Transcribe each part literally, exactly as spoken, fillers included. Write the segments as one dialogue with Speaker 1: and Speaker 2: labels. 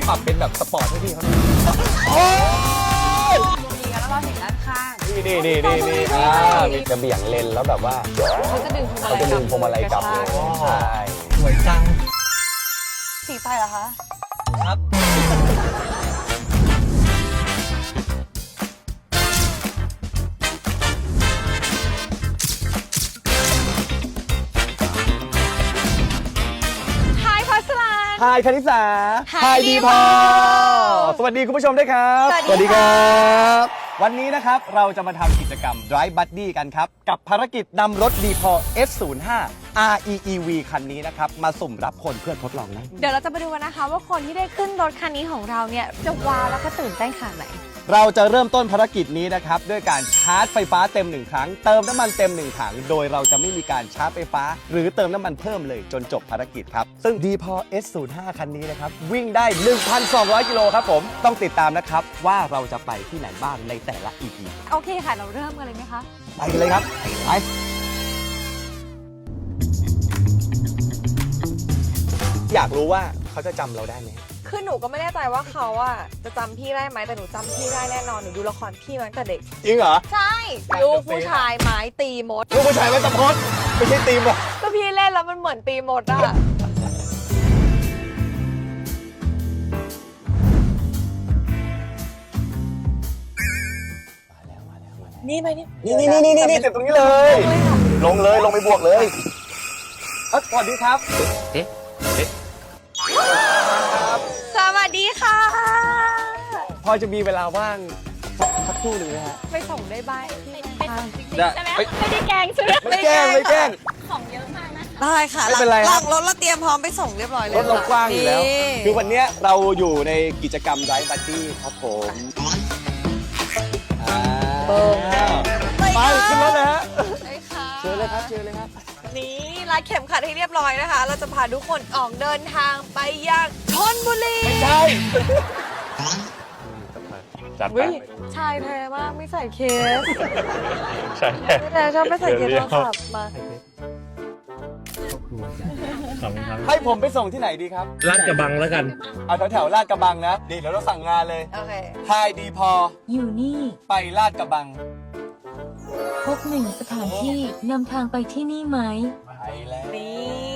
Speaker 1: ปรับเป็นแบบสปอร์ตให้พี่เขาโอ้ย
Speaker 2: ดีแล้วเราเห็นด้านข้าง
Speaker 1: นี่นี่นี่นี่นี่อ่ามีจะเบี่ยงเลนแล้วแบบว่า
Speaker 2: เขาจะดึงพวงมา
Speaker 1: เขา
Speaker 2: ลัย
Speaker 1: จะดึงพวงมาลัยกลับเลยใช่
Speaker 3: สวยจัง
Speaker 2: สีไฟเหรอคะ
Speaker 3: ครับ
Speaker 2: ไฮพัสลาน
Speaker 1: ไฮคณิษา
Speaker 2: ไฮดีพอ
Speaker 1: สวัสดีคุณผู้ชมด้วยครับ
Speaker 2: สวัสดีค่ะ
Speaker 1: บวันนี้นะครับเราจะมาทำกิจกรรม Drive Buddy กันครับ กับภารกิจนำรถ ดี พอ เอส ศูนย์ ห้า อาร์ อี อี วี คันนี้นะครับ มาสุ่มรับคนเพื่อทดลองนะ
Speaker 2: เดี๋ยวเราจะมาดูกันนะคะว่าคนที่ได้ขึ้นรถคันนี้ของเราเนี่ยจะว้าวแล้วก็ตื่นเต้นขนาดไหน
Speaker 1: เราจะเริ่มต้นภารกิจนี้นะครับด้วยการชาร์จไฟฟ้าเต็มหนึ่งครั้งเติมน้ำมันเต็มหนึ่งถังโดยเราจะไม่มีการชาร์จไฟฟ้า หรือเติมน้ำมันเพิ่มเลยจนจบภารกิจครับซึ่ง ดี พอ เอส ศูนย์ ห้า คันนี้นะครับวิ่งได้ หนึ่งพันสองร้อย กิโลครับผมต้องติดตามนะครับว่าเราจะไปที่ไหนบ้างในแต่ละ อี พี
Speaker 2: โอเคค่ะ เราเริ่มกันเลยไหมคะ
Speaker 1: ไปกันเลยครับไปอยากรู้ว่าเขาจะจำเราได้ไหม
Speaker 2: คือหนูก็ไม่แน่ใจว่าเขาอะจะจำพี่ได้ไหมแต่หนูจำพี่ได้แน่นอนหนูดูละครพี่มาตั้งแต่เด็ก
Speaker 1: จริงเหรอ
Speaker 2: ใช่ลูกผู้ชายไม้ตีมด
Speaker 1: ลูกผู้ชายไม่ตะพดไม่ใช่ตีมหรอก
Speaker 2: ก็พี่เล่นแล้วมันเหมือนตีมดอะ นี่ไหมนี่
Speaker 1: นี่นี่นี่นี่นี่เจ็บตรงนี้เลย ลงเลยลงไปบวกเลยเอ้ยสวัสดีครับ
Speaker 3: เอ๊ะ เอ๊ะ
Speaker 2: สวัสดีค่ะ
Speaker 1: พอจะมีเวลาว่างสักครู่หนึ่งนะฮะ
Speaker 2: ไปส่งได้บ้างที่ไหนคะ
Speaker 1: ได้
Speaker 4: ใช่ไหม
Speaker 1: ไม่
Speaker 4: ไม่ได้แกล้งใช่ไหม
Speaker 1: ไม่แกล้งไม่แกล้ง
Speaker 4: ของเยอะมากนะ
Speaker 2: ได้ค่ะ
Speaker 1: ไม่เป็นไร
Speaker 2: ห
Speaker 1: ครั
Speaker 2: ลั
Speaker 1: บ
Speaker 2: งรถเราเตรียมพร้อมไปส่งเรียบร้อยเลย
Speaker 1: รถเรากว้างอยู่แล้ว
Speaker 2: นี่
Speaker 1: คือวันเนี้ยเราอยู่ในกิจกรรม Drive Buddy ครับผมอ่าไปขึ้นรถเลยฮะ
Speaker 2: ใช่ค่ะ
Speaker 1: เชิญเลยครับเชิญเลยครับ
Speaker 2: นี่รัดเข็มขัดให้เรียบร้อยนะคะ เราจะพาทุกคนออกเดินทางไปยังชลบุรี
Speaker 1: ใช่
Speaker 3: จัดไป
Speaker 2: วิชายแท้มากไม่ใส่เคส
Speaker 3: ใช่
Speaker 2: ไม่แท้ชอบไม่ใส่เคส
Speaker 3: เดี๋
Speaker 2: โท
Speaker 3: ยว
Speaker 2: รศัพท์มา
Speaker 3: ขอบคุณครับ
Speaker 1: ให้ผมไปส่งที่ไหนดีครับ
Speaker 3: ลาดกระบังแล้วกัน
Speaker 1: เอาแถวแถวๆลาดกระบังนะนี่เดี๋ยวเราสั่งงานเลย
Speaker 2: โอเค
Speaker 1: ไฮดีพอ
Speaker 5: อยู่นี่
Speaker 1: ไปลาดกระบัง
Speaker 5: พบหนึ่งสถานที่นำทางไปที่นี่ไหม
Speaker 1: ไปแล้ว
Speaker 2: นี่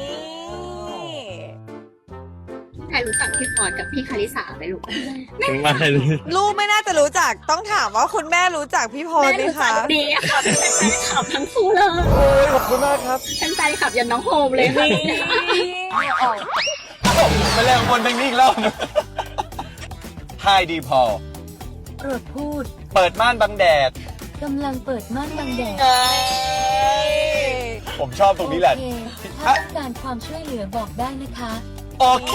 Speaker 4: ใครรู้จักพี่พอร์ตกับพี่คาริสาไหมลูก
Speaker 3: ไม่เลย
Speaker 2: ลูกไม่น่าจะรู้จักต้องถามว่าคุณแม่รู้จักพี่พร
Speaker 4: แม่
Speaker 2: ไหม
Speaker 4: รู้จั
Speaker 2: คะ
Speaker 4: กดีค่ะเป็นแฟนคลับทั้งคู่เลย
Speaker 1: โอ้ยขอบคุณมากครับ
Speaker 4: เป็นแฟนคลับยันน้องโฮมเลยค่ะ
Speaker 2: ออก
Speaker 1: มาแรงบนทางนี้อีกแล้วไฮดีพอ
Speaker 5: โปรดพูด
Speaker 1: เปิดม่านบังแดด
Speaker 5: กำลังเปิดม่านบังแดด
Speaker 1: ผมชอบตรงนี้แหละ
Speaker 5: โอเคถ้าต้องการความช่วยเหลือบอกได้นะคะ
Speaker 1: โอเค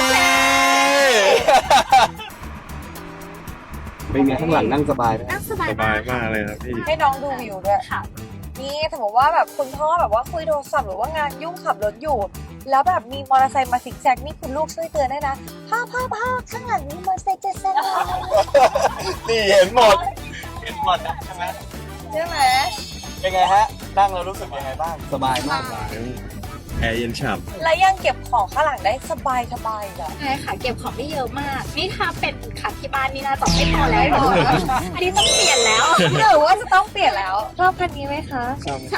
Speaker 1: เป็นไงข้างหลังนั่งสบายไหม
Speaker 4: นั่งสบาย
Speaker 3: สบายมากเลยครับพี่
Speaker 2: ให้น้องดูวิวด้วย
Speaker 4: ค่ะ
Speaker 2: นี่สมมติว่าแบบคุณพ่อแบบว่าคุยโทรศัพท์หรือว่างานยุ่งขับรถอยู่ แล้วแบบมีมอเตอร์ไซค์มาซิกแซกนี่คุณลูกช่วยเตือนได้นะพ่อพ่อพ่อข้างหลังนี้มอเตอร์ไซค์จะแซงเรา
Speaker 1: นี่เห็นหมด เห็นหมดนะใช่ไหม
Speaker 2: ใช่ไหม
Speaker 1: เป็นไงฮะ นั่งแล้วรู้สึกยังไงบ้าง สบายมาก
Speaker 3: แอร์เย็นฉ่
Speaker 2: และยังเก็บของข้างหลังได้สบายสบายๆเลย
Speaker 4: ใช่ค่ะเก็บของได้เยอะมาก นี่ถ้าเป็นขับที่บ้านนี่น่าจะไม่พอแล้วอันนี้ต้องเปลี่ยนแล้ว
Speaker 2: หรือว่าจะต้องเปลี่ยนแล้วชอบคันนี้ไหมคะ
Speaker 4: ใช่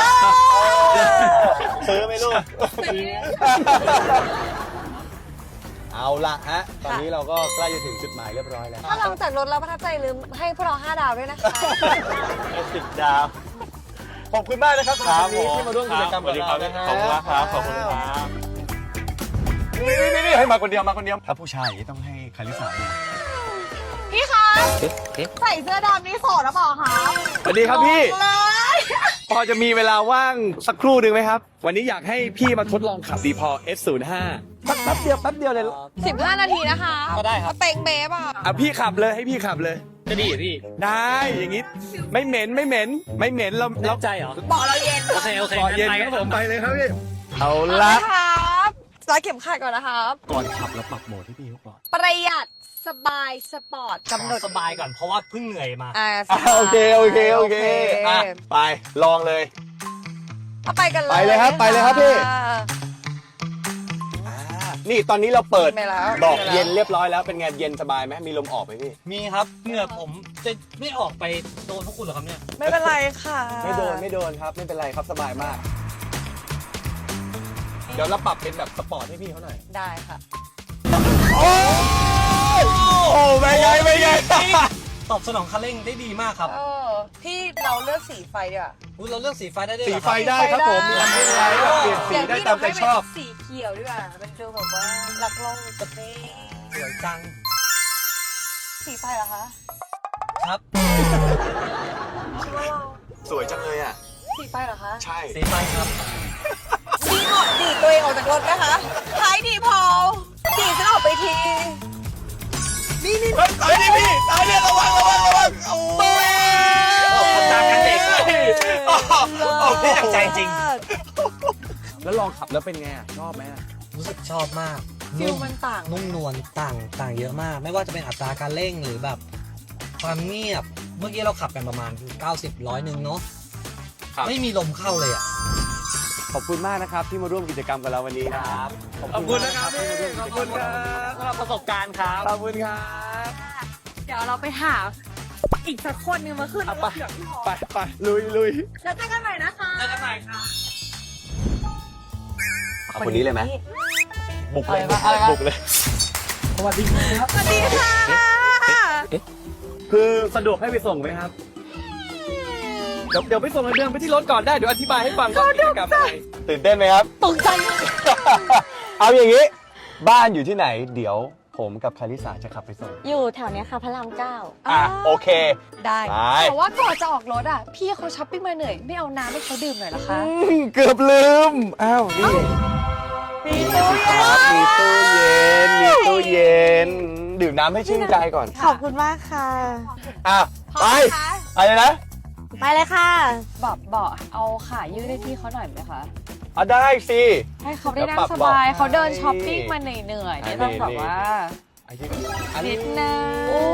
Speaker 1: ซื้อไหมลูก เอาละฮะ ตอนนี้เราก็ใกล้จะถึงจุดหมายเรียบร้อยแล้ว
Speaker 2: ถ้าลงจากรถแล้วประทับใจลืมให้พวกเราห้าดาวด้วยนะคะ
Speaker 1: สิบดาว ขอบคุณมากนะครับสำหรับวันนี้ที่มาร่วมกิจกรรมกับเรานะฮะ
Speaker 3: ขอบคุณมากครับ ขอบคุณครับ
Speaker 1: นี่นี่นี่ให้มาคนเดียวมาคนเดียว ถ้าผู้ชายต้องให้คาริสาเนี่ย
Speaker 2: พี่คะใส่เสื้อดำนี่โสดหรือเปล่าคะ
Speaker 1: สวัสดีครับพี่
Speaker 2: เลย
Speaker 1: พอจะมีเวลาว่างสักครู่หนึ่งไหมครับ วันนี้อยากให้พี่มาทดลองขับดีพอ เอส ศูนย์ ห้า แป๊บเดียวแป๊บเดียวเลย
Speaker 2: สิบห้านาทีนะคะ
Speaker 1: ก็ได้ครับ
Speaker 2: เต็งเบ๊บอ่ะ
Speaker 1: อ่ะพี่ขับเลยให้พี่ขับเลย
Speaker 3: จะดีพี่
Speaker 1: ได้อย่างงี้ไม่เหม็นไม่เหม็นไม่เหม็นเราเรา
Speaker 3: ใจเหรอ
Speaker 2: บอกเราเย็น
Speaker 3: โอเค โอเค
Speaker 1: เกาะเย็นครับผมไปเลยครับพี่เอา
Speaker 2: เอา
Speaker 1: ละ
Speaker 2: ละครับรัดเข็มขัดก่อนนะครับ
Speaker 1: ก่อนขับแล้วปรับโหมดให้พี่เขาก่อน
Speaker 2: ประหยัดสบายสปอร์ตกำหนด
Speaker 3: สบายก่อนเพราะว่าเพิ่งเหนื่อยมา
Speaker 2: อ่า
Speaker 1: อ่ะโอเคโอเคโอเคอ่ะไปลองเลย
Speaker 2: เอาไปกันเลย
Speaker 1: ไปเลยครับไปเลยครับพี่
Speaker 2: อ่า
Speaker 1: อ่านี่ตอนนี้เราเปิด
Speaker 2: ไม่แล้ว
Speaker 1: บอก
Speaker 2: ไม่แล้ว
Speaker 1: เย็นเรียบร้อยแล้วเป็นไงเย็นสบายไหมมีลมออกไหมพี่
Speaker 3: มีครับเหงื่อผมจะไม่ออกไปโดนพวกคุณเหรอครับเนี่ย
Speaker 2: ไม่เป็นไรค่ะ
Speaker 1: ไม่โดนไม่โดนครับไม่เป็นไรครับสบายมาก เดี๋ยวเราปรับเป็นแบบสปอร์ตให้พี่เขาหน่อย
Speaker 2: ได้ค่ะ
Speaker 1: โอ้โอ้ไม่ไงไม่ไง
Speaker 3: ตอบสนองคันเร่งได้ดีมากครับ
Speaker 2: เออ พี่เราเลือกสีไฟดีกว่า
Speaker 3: อุ๊ยเราเลือกสีไฟได้ด้วย
Speaker 1: สี
Speaker 3: เหรอ
Speaker 1: ไฟ
Speaker 3: ครับ
Speaker 1: ได้ครับผมมีทำให้ไรแบบเปลี่ยนสีได้ตามใจชอบ
Speaker 2: สีเขียวดีกว่าเป็นฟิลแบบว่ารักโลกสเปซ
Speaker 3: สวยจัง
Speaker 2: สีไฟเหรอคะ
Speaker 3: ครับ
Speaker 2: คิดว่าเรา
Speaker 1: สวยจังเลยอ่ะ
Speaker 2: สีไฟเหรอคะ
Speaker 1: ใช่
Speaker 3: สีไฟครับ
Speaker 2: ดีออกดีดตัวเองออกจากรถไหมคะท้ายดีพอดีดฉันออกไปที นี่นี่
Speaker 1: เฮ้ยตายดิพี่ตายดิระวังระวังระวังโอ้ย
Speaker 3: ตากันเด็ก
Speaker 1: โอ้โหโอ้โห
Speaker 3: ใจจริง
Speaker 1: แล้วลองขับแล้วเป็นไงอะชอบไหมอะ
Speaker 3: รู้สึกชอบมาก
Speaker 2: ฟิลมันต่าง
Speaker 3: นุ่มนวลต่างต่างเยอะมาก ไม่ว่าจะเป็นอัตราการเร่งหรือแบบความเงียบ เมื่อกี้เราขับกันประมาณ เก้าสิบ ร้อยหนึ่งเนาะไม่มีลมเข้าเลยอ่ะ
Speaker 1: ขอบคุณมากนะครับที่มาร่วมกิจกรรมกับเราวันนี้นะครับ
Speaker 3: ขอบคุณนะครับ
Speaker 1: ที่มาร่วมกิจกรรมกับเราวันนี้
Speaker 3: สำหรับประสบการณ์ครับ
Speaker 1: ขอบคุณครับ
Speaker 2: เดี๋ยวเราไปหาอีกสักคนหนึงมาขึ้น
Speaker 1: เอาไป
Speaker 2: รถเดี๋ยวพี่พอ
Speaker 1: ไปไปลุยลุย
Speaker 2: แล้วเจอกันใหม่นะคะ
Speaker 3: เจอกันใหม่ครับ
Speaker 1: เอาคนนี้เลยไหมบุกเลย
Speaker 2: อะไรวะ
Speaker 1: บุกเลย
Speaker 3: สวัสดีครับ
Speaker 2: สวัสดีค่ะ
Speaker 1: คือสะดวกให้ไปส่งไหมครับ เดี๋ยวเดี๋ยวไปส่งเดินไปที่รถก่อนได้ เดี๋ยวอธิบายให้ฟังก่อนกิจกรรมอะไรตื่นเต้นไหมครับ
Speaker 2: ตกใจ
Speaker 1: เอาอย่างนี้ บ้านอยู่ที่ไหน เดี๋ยวผมกับคาริสาจะขับไปส่ง
Speaker 5: อยู่แถวเนี้ยค่ะพระรามเก้า
Speaker 1: อ่ะ โอเค
Speaker 2: ได้
Speaker 1: ไป
Speaker 2: แต่ว่าก่อนจะออกรถอ่ะ พี่เขาช้อปปิ้งมาเหนื่อย ไม่เอาน้ำให้เขาดื่มหน่อยเหรอคะ
Speaker 1: อืมเกือบลืม อ้าว นี่
Speaker 2: มีตู้เย็น
Speaker 1: ครับมีตู้เย็น มีตู้เย็น ดื่มน้ำให้ชื่นใจก่อน
Speaker 5: ขอบคุณมากค่ะ
Speaker 1: อ่ะ ไป
Speaker 2: คะ
Speaker 1: อะไรนะ
Speaker 5: ไปเลยค่ะ
Speaker 2: บอกบอกเอาขายืดให้พี่เขาหน่อยไหมคะ
Speaker 1: อ่ะได้สิ
Speaker 2: ให้เขาได้นั่
Speaker 1: เดี๋ยวปรั
Speaker 2: ง
Speaker 1: บ
Speaker 2: สบาย
Speaker 1: เบาะ
Speaker 2: เขาเดิน
Speaker 1: ให้
Speaker 2: ช้อปปิ้งมาเหนื่อยๆ
Speaker 1: อันนี้
Speaker 2: นี่ต้องแบบว่า
Speaker 1: ไอ้ที่อัน
Speaker 2: นิ
Speaker 1: นี้
Speaker 2: ดนึง
Speaker 1: โอ้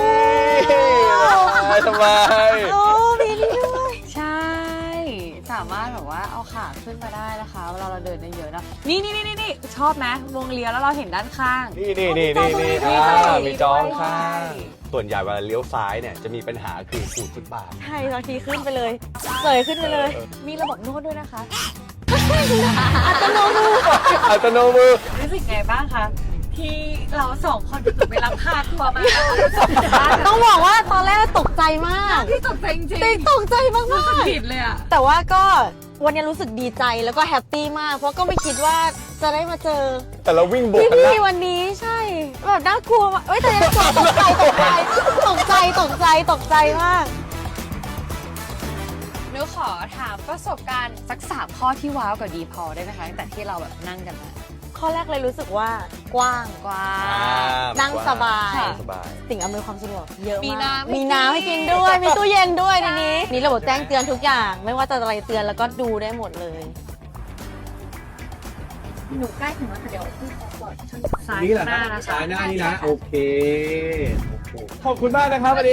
Speaker 1: ยสบาย
Speaker 5: โอ้มีนี่ด้วย
Speaker 2: ใช่ สามารถแบบว่าเอาขาขึ้นมาได้นะคะเวลาเราเดินได้เยอะนะนี่นี่นี่นี่ชอบไหมวงเลี้ยวแล้วเราเห็นด้านข้าง
Speaker 1: นี่นี่นี่นี่นี่
Speaker 2: มี
Speaker 1: อ่า
Speaker 2: จอง
Speaker 1: มีจอง
Speaker 2: ด้วย
Speaker 1: ข้าง ส่วนใหญ่เวลาเลี้ยวซ้ายเนี่ยจะมีปัญหาคือขูดฟุตบาท
Speaker 5: ใช่บางทีขึ้นไปเลยเสยขึ้นไปเลย
Speaker 2: มีระบบนวดด้วยนะคะ
Speaker 5: อัตโนมือ
Speaker 1: อัตโนมือ
Speaker 2: รู้สึกไงบ้างคะที่เราสองคนถูกไปรับพาทัวร์มา
Speaker 5: ต้องบอกว่าตอนแรกตกใจมาก
Speaker 2: ที่ตกใจจริง
Speaker 5: จริงตกใจมาก
Speaker 2: รู้สึก
Speaker 5: ๆ
Speaker 2: ผิดเลยอะ
Speaker 5: แต่ว่าก็วันนี้รู้สึกดีใจแล้วก็แฮปปี้มาก เพราะก็ไม่คิดว่าจะได้มาเจอ
Speaker 1: แต่เราวิ่งบวก
Speaker 5: พี่
Speaker 1: กันนะ
Speaker 5: พี่วันนี้ใช่แบบน่ากลัวมากเอ้ยแต่ยังตกใจตกใจตกใจตกใจตกใจมาก
Speaker 2: หนูขอถามประสบการณ์สักสามข้อที่ว้าวกับดีพอได้ไหมคะตั้งแต่ที่เราแบบนั่งกันมา
Speaker 5: ข้อแรกเลยรู้สึกว่ากว้าง
Speaker 2: กว้า
Speaker 1: อ่าง
Speaker 5: นั่งสบาย
Speaker 2: ค่ะ
Speaker 1: สบาย
Speaker 5: สิ่งอำนวยความสะดวกเยอะ
Speaker 2: มี
Speaker 5: มาก
Speaker 2: น้ำให้
Speaker 5: มีน้ำให้
Speaker 2: กิ
Speaker 5: กิ
Speaker 2: น
Speaker 5: นด้วย มีตู้เย็นด้วยในนี้
Speaker 2: ใช่
Speaker 5: มีระบบแจ้งเตือนทุกอย่าง ไม่ว่าจะอะไรเตือนแล้วก็ดูได้หมดเลย
Speaker 2: หนูใกล้ถึงแล้วเดี๋ยวพี่ขอปลอดซ้าย
Speaker 1: นี่แหละ
Speaker 2: หน้านะ
Speaker 1: ซ้ายหน้านี่นะ โอเค ขอบคุณมากนะครับวันนี้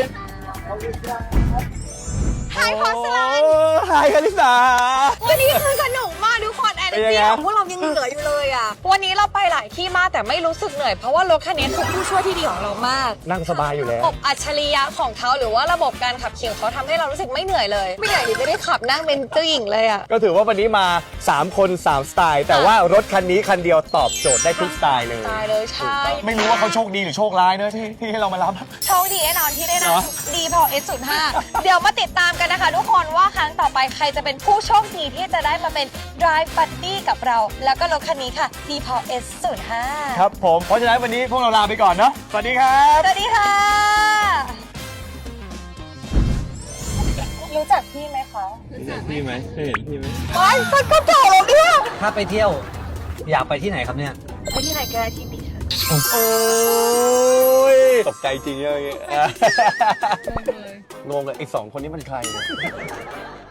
Speaker 2: ไฮพอสลัน
Speaker 1: ไฮคาริสา
Speaker 2: วันนี้คือสนุกมากทุกคนแอน
Speaker 1: เป็นยัง
Speaker 2: จี้
Speaker 1: ไง
Speaker 2: ของพวกเรายังเหลืออยู่เลยอ่ะ วันนี้เราไปหลายที่มากแต่ไม่รู้สึกเหนื่อยเพราะว่ารถคันนี้คือผู้ช่วยที่ดีของเรามาก
Speaker 1: นั่งสบายอยู่แล้ว
Speaker 2: ระบบอัจฉริยะของเขาหรือว่าระบบการขับขี่ของเขาทำให้เรารู้สึกไม่เหนื่อยเลย ไม่เหนื่อยที่จะได้ขับนั่งเป็นเจ้าหญิงเลยอ่ะ
Speaker 1: ก็ถือว่าวันนี้มา สาม คน สาม สไตล์ แต่ว่ารถคันนี้คันเดียวตอบโจทย์ได้ทุกสไตล์เลย
Speaker 2: ตายเลยใช่
Speaker 1: ไม่รู้ว่าเขาโชคดีหรือโชคร้ายเนอะที่ที่ให้เรามารับ
Speaker 2: โชคดีแน่นอนที่ได้
Speaker 1: เหร
Speaker 2: นั่
Speaker 1: อ
Speaker 2: งดีพอ เอส ศูนย์ ห้า เดี๋ยวมาติดตามกันนะคะทุกคนว่าครั้งต่อไปใครจะเป็นผู้โชคดีที่จะได้มาเป็น Drive Buddy กับเรา แล้วก็รถคันนี้ค่ะดีพอ เอส ศูนย์ ห้า
Speaker 1: ครับผม เพราะฉะนั้นวันนี้พวกเราลาไปก่อนเนาะ สวัสดีครับ
Speaker 2: สวัสดีค่ะ รู้จักพี่ไหมคะ
Speaker 3: พี่ไหมเคยเห็นพี่ไหม
Speaker 2: ไอ้สักกระเป๋าเนี่ย
Speaker 3: ถ้าไปเที่ยวอยากไปที่ไหนครับเนี่ย
Speaker 2: ไปที่ไหนก็ได้ที่นี่ค่ะ
Speaker 1: โอ้ย ตกใจจริงเลยงงเลยไอ้สองคนนี้มันใครเนี่ย